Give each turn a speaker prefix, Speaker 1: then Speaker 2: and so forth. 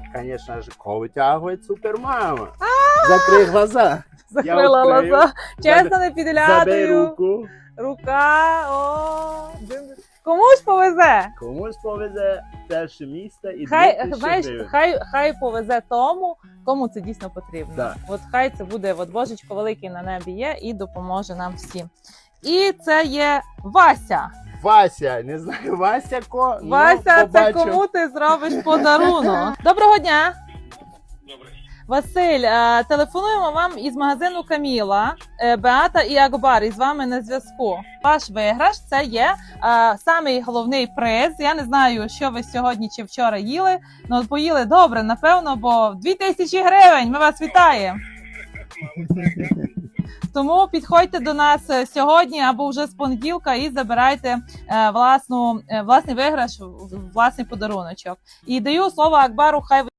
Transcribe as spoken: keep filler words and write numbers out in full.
Speaker 1: конечно же, кого витягує супермама. Закрий глаза.
Speaker 2: Закрила
Speaker 1: Я відкрив.
Speaker 2: глаза. Чесно, не
Speaker 1: Забери
Speaker 2: підглядаю.
Speaker 1: руку.
Speaker 2: Рука, о. дин- Комусь повезе.
Speaker 1: Комусь повезе перше місце і
Speaker 2: Хай,
Speaker 1: дві тисячі
Speaker 2: знаєш,
Speaker 1: гривень.
Speaker 2: хай, хай повезе тому, кому це дійсно потрібно.
Speaker 1: Да.
Speaker 2: От хай це буде, от Божечко великий на небі є і допоможе нам всім. І це є Вася.
Speaker 1: Вася, не знаю, Вася ко. ну,
Speaker 2: Вася, це
Speaker 1: побачив.
Speaker 2: кому ти зробиш подарунок? Доброго дня! Василь, е, телефонуємо вам із магазину Каміла, е, Беата і Акбар із вами на зв'язку. Ваш виграш – це є е, самий головний приз. Я не знаю, що ви сьогодні чи вчора їли, але поїли добре, напевно, бо дві тисячі гривень. Ми вас вітаємо! Тому підходьте до нас е, сьогодні або вже з понеділка і забирайте е, власну, е, власний виграш, власний подаруночок. І даю слово Акбару, хай